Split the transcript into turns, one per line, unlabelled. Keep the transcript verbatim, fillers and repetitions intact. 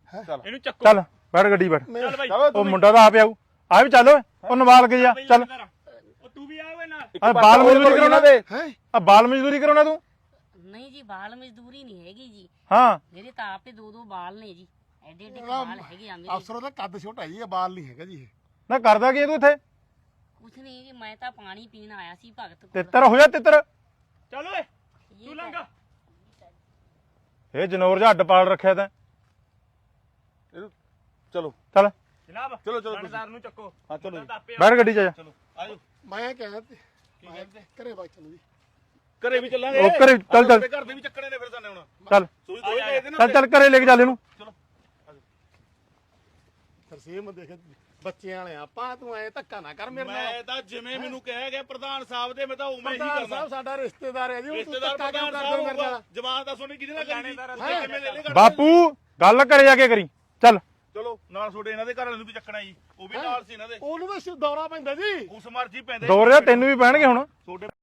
ਚੱਲ
ਇਹਨੂੰ ਚੱਕੋ
ਚੱਲ ਬੈਠ ਗੱਡੀ ਬੈਠ
ਚੱਲ ਬਾਈ
ਉਹ ਮੁੰਡਾ ਤਾਂ ਆਪ ਆਊ ਆ ਵੀ ਚੱਲ ਓਏ ਉਹ ਨਵਾਲ ਕੇ ਜਾ ਚੱਲ
ਉਹ ਤੂੰ ਵੀ ਆ ਓਏ ਨਾਲ
ਆ ਬਾਲ ਮਜ਼ਦੂਰੀ ਕਰਾਉਣਾ
ਦੇ
ਹੈ
ਆ ਬਾਲ ਮਜ਼ਦੂਰੀ ਕਰਾਉਣਾ ਤੂੰ
ਨਹੀਂ ਜੀ ਬਾਲ ਮਜ਼ਦੂਰੀ ਨਹੀਂ ਹੈਗੀ ਜੀ
ਹਾਂ
ਮੇਰੇ ਤਾਂ ਆਪੇ ਦੋ ਦੋ ਬਾਲ ਨੇ ਜੀ ਐਡੇ ਐਡੇ ਬਾਲ ਹੈਗੇ ਆ ਮੇਰੇ
ਅਫਸਰ ਦਾ ਕੱਦ ਛੋਟਾ ਜੀ ਇਹ ਬਾਲ ਨਹੀਂ ਹੈਗਾ ਜੀ ਇਹ
ਨਾ ਕਰਦਾ ਕੀ ਤੂੰ ਇੱਥੇ
ਕੁਛ ਨਹੀਂ ਜੀ ਮੈਂ ਤਾਂ ਪਾਣੀ ਪੀਣ ਆਇਆ ਸੀ ਭਗਤ ਕੋਲ
ਤਿੱਤਰ ਹੋ ਜਾ ਤਿੱਤਰ
ਚੱਲ ਓਏ ਤੂੰ ਲੰਘ
ਇਹ ਜਨੌਰ ਜਿਹਾ ਅੱਡ ਪਾਲ ਰੱਖਿਆ ਤੈਂ
ਇਹਨੂੰ ਚਲੋ
ਚੱਲ
ਜਨਾਬ
ਚਲੋ, ਚਲੋ,
ਥਾਣੇਦਾਰ ਨੂੰ ਚੱਕੋ
ਹਾਂ ਚਲੋ ਜੀ
ਤਾਂ ਆਪੇ
ਬੈਠ ਗੱਡੀ 'ਚ ਜਾ
ਚਲੋ ਆਜੋ
ਮੈਂ ਕਹਿਆ ਤੇ ਮੈਂ ਘਰੇ ਬਾਈ ਚਲੋ ਜੀ
ਘਰੇ ਵੀ ਚੱਲਾਂਗੇ
ਉਹ ਘਰੇ ਚੱਲ ਚੱਲ
ਘਰ ਦੇ ਵੀ ਚੱਕਣੇ ਨੇ ਫਿਰ ਸਾਨੂੰ ਹੁਣ
ਚੱਲ
ਸੂਈ ਦੋਏ ਗਏ ਦੇ ਨਾ
ਚੱਲ ਚੱਲ ਘਰੇ ਲੈ ਕੇ ਚੱਲ ਇਹਨੂੰ
ਚਲੋ
ਤਰਸੇਮ ਦੇਖ ਬੱਚਿਆਂ ਵਾਲੇ ਆਪਾਂ ਤੂੰ ਐ ਧੱਕਾ ਨਾ ਕਰ ਮੇਰੇ ਨਾਲ
ਮੈਂ ਤਾਂ ਜਿਵੇਂ ਮੈਨੂੰ ਕਿਹਾ ਗਿਆ ਪ੍ਰਧਾਨ ਸਾਹਿਬ ਦੇ ਮੈਂ ਤਾਂ ਉਵੇਂ ਹੀ
ਪ੍ਰਧਾਨ
ਕਰਨਾ
ਸਾਹਿਬ ਸਾਡਾ ਰਿਸ਼ਤੇਦਾਰ ਹੈ ਜੀ ਉਹ ਤੂੰ
ਰਿਸ਼ਤੇਦਾਰ
ਧੱਕਾ ਕਿਉਂ
ਪ੍ਰਧਾਨ
ਕਰਦੇ ਹੋ ਮੇਰੇ
ਸਾਹਿਬ
ਨਾਲ
ਜਵਾਨ ਦਾ ਸੋਨੀ ਕਿਹਦੇ ਨਾਲ ਕਰਨੀ ਕਿਵੇਂ ਲੈ ਲੈ
ਬਾਪੂ ਗੱਲ ਘਰੇ ਜਾ ਕੇ ਕਰੀ ਚੱਲ
ਚਲੋ ਨਾਲ ਛੋੜੇ ਇਹਨਾਂ ਦੇ ਘਰ ਵਾਲਿਆਂ ਨੂੰ ਵੀ ਚੱਕਣਾ ਜੀ ਉਹ ਵੀ ਨਾਲ ਸੀ ਇਹਨਾਂ ਦੇ
ਉਹਨੂੰ ਤਾਂ ਦੌਰਾ ਪੈਂਦਾ ਜੀ
ਉਸ ਮਰਜੀ ਪੈਂਦੇ
ਦੋ ਰਿਆ ਤੈਨੂੰ ਵੀ ਪੈਣਗੇ ਹੁਣ
ਛੋਡੇ